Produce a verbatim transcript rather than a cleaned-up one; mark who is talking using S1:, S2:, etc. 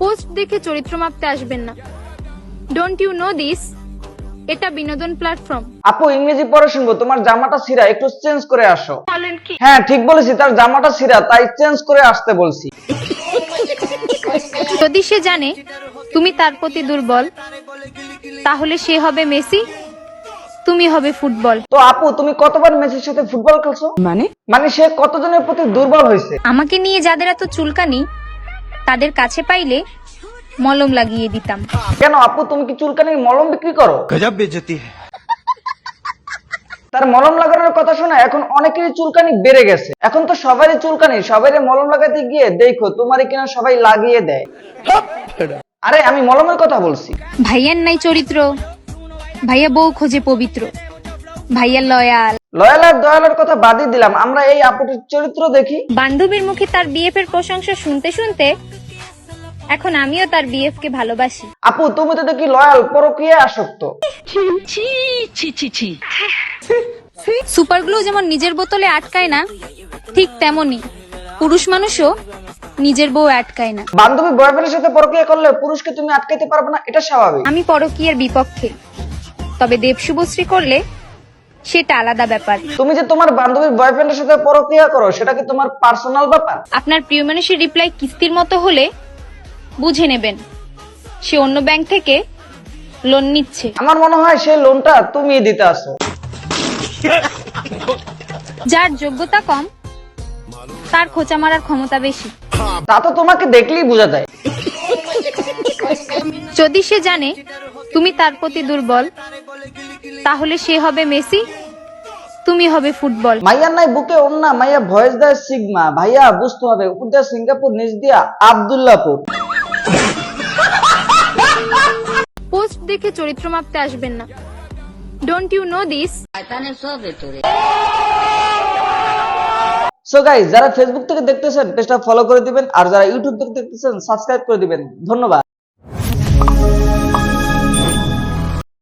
S1: Post দেখে চরিত্র মাপতে আসবেন না। Don't you know this? এটা বিনোদন প্ল্যাটফর্ম।
S2: আপু ইংরেজি পড়ে শুনবো, তোমার জামাটা ছিঁড়া, একটু চেঞ্জ করে আসো।
S1: বলেন কি?
S2: হ্যাঁ ঠিক বলেছি, তার জামাটা ছিঁড়া, তাই চেঞ্জ করে আসতে বলছি।
S1: যদি সে জানে তুমি তার প্রতি দুর্বল, তাহলে সে হবে মেসি, তুমি হবে ফুটবল।
S2: তো আপু তুমি কতবার মেসির সাথে ফুটবল খেলছো?
S3: মানে
S2: মানে সে কতজনের প্রতি দুর্বল হয়েছে?
S1: আমাকে নিয়ে যাদের এত চুলকানি, তাদের কাছে পাইলে মলম লাগিয়ে দিতাম।
S2: কেন আপু, তুমি কি চুলকানির মলম বিক্রি করো?
S4: गजब बेइज्जती है।
S2: তার মলম লাগানোর কথা শোনা এখন অনেকেরই চুলকানি বেড়ে গেছে। এখন তো সবারই চুলকানি, সবাই মলম লাগাতে গিয়ে দেখো তোমারই কিনা সবাই লাগিয়ে দেয়। আরে আমি মলমের কথা বলছি।
S1: ভাইয়ার নাই চরিত্র, ভাইয়া বউ খোঁজে পবিত্র, ভাইয়া লয়াল।
S2: লয়াল আর দয়ালের কথা বাদই দিলাম, আমরা এই আপুটির চরিত্র দেখি।
S1: বান্ধবীর মুখে তার বিএফ এর প্রশংসা শুনতে শুনতে এখন আমিও তার বিএফ কে ভালোবাসি।
S2: আপু তুমি তো দেখি লয়াল, পরকীয়া আসক্ত।
S1: সুপার গ্লু যেমন নিজের বোতলে আটকায় না, ঠিক তেমনি পুরুষ মানুষও নিজের বউ আটকায় না।
S2: বান্ধবী বয়ফ্রেন্ডের সাথে পরকীয়া করলে পুরুষকে তুমি আটকাইতে পারবে না, এটা স্বাভাবিক।
S1: আমি পরকীয়ার বিপক্ষে, তবে দেব শুভশ্রী করলে সেটা আলাদা ব্যাপার।
S2: তুমি যে তোমার বান্ধবীর বয়ফ্রেন্ডের সাথে পরকীয়া করো, সেটা কি তোমার পার্সোনাল ব্যাপার?
S1: আপনার প্রিয় মানুষের রিপ্লাই কিস্তির মতো হলে বুঝে নেবেন সে অন্য ব্যাংক থেকে লোন নিচ্ছে।
S2: আমার মনে হয় সেই লোনটা তুমি দিতে আসো।
S1: যার যোগ্যতা কম তার খোঁচা মারার ক্ষমতা বেশি।
S2: তা তো তোমাকে দেখলেই বোঝা যায়।
S1: যদি সে জানে তুমি তার প্রতি দুর্বল, তাহলে সে হবে মেসি, তুমি হবে ফুটবল।
S2: মাইয়ার নাই বুকে ওন্না, মাইয়া ভয়েস দেয় সিগমা। ভাইয়া বুঝতে হবে, উপর দিয়া সিঙ্গাপুর, নিচ দিয়া আব্দুল্লাহপুর।
S1: পোস্ট দেখে চরিত্র মাপতে আসবেন না। Don't you know this?
S2: So guys, যারা ফেসবুক থেকে দেখতেছেন পেজটা ফলো করে দিবেন, আর যারা ইউটিউব থেকে দেখতেছেন সাবস্ক্রাইব করে দিবেন। ধন্যবাদ।